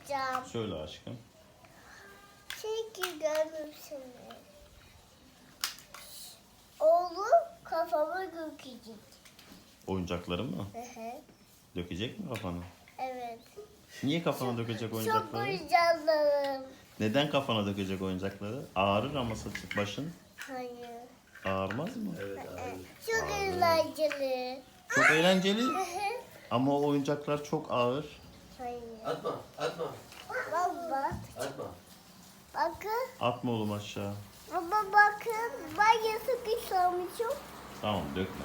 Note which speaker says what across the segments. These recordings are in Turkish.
Speaker 1: soracağım.
Speaker 2: Söyle aşkım.
Speaker 1: Çünkü görmüşsün. Oğlum kafama dökecek.
Speaker 2: Oyuncakların mı?
Speaker 1: Hı hı.
Speaker 2: Dökecek mi kafana?
Speaker 1: Evet.
Speaker 2: Niye kafana dökecek
Speaker 1: Çok
Speaker 2: oyuncakları?
Speaker 1: heyecanlıyım.
Speaker 2: Neden kafana dökecek oyuncakları? Ağrır ama saçı başın.
Speaker 1: Hayır.
Speaker 2: Ağrımaz mı?
Speaker 3: Evet abi.
Speaker 1: Çok eğlenceli.
Speaker 2: Çok eğlenceli
Speaker 1: Hı hı.
Speaker 2: ama o oyuncaklar çok ağır.
Speaker 1: Hayır.
Speaker 3: Atma, atma,
Speaker 1: Baba
Speaker 3: atma.
Speaker 1: bakın.
Speaker 2: Atma oğlum aşağı.
Speaker 1: Baba bakın. Ben yasak istemişim.
Speaker 2: Tamam dökme.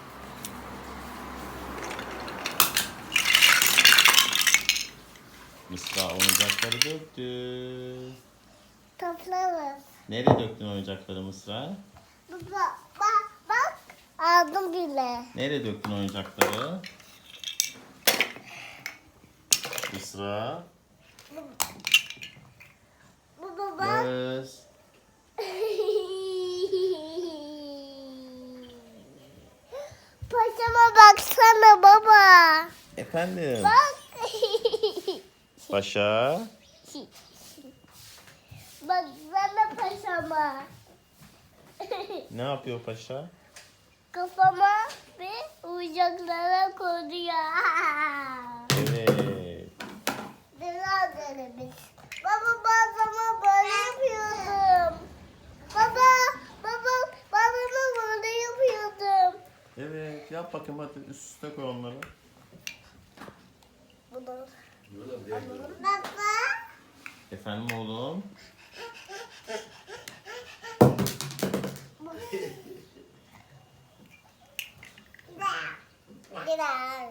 Speaker 2: Mısra oyuncakları döktü.
Speaker 1: Toplarız.
Speaker 2: Nereye döktün oyuncakları Mısra?
Speaker 1: Baba bak. Aldım bile.
Speaker 2: Nereye döktün oyuncakları? Mısra.
Speaker 1: Baba bak.
Speaker 2: Göz.
Speaker 1: Paşama baksana baba.
Speaker 2: Efendim.
Speaker 1: Bak.
Speaker 2: Paşa.
Speaker 1: Baksana paşama.
Speaker 2: Ne yapıyor paşa?
Speaker 1: Kafama ve oyuncaklara koyuyor.
Speaker 2: Evet.
Speaker 1: Biraz biz. Baba ben zaman böyle yapıyordum. Baba ben böyle yapıyordum.
Speaker 2: Evet yap bakayım hadi üst üste koy onları.
Speaker 1: Bunu.
Speaker 3: Böyle bir yer böyle.
Speaker 1: Baba.
Speaker 2: Efendim oğlum.
Speaker 1: Biraz.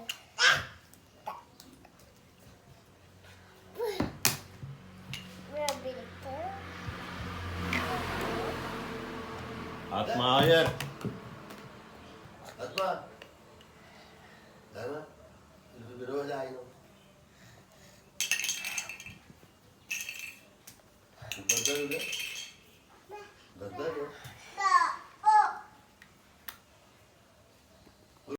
Speaker 1: Biraz birlikte.
Speaker 2: Atma hayır.
Speaker 3: Atma. Atma. Bir öyle aynı. Bu kadar öyle. Kadar ya.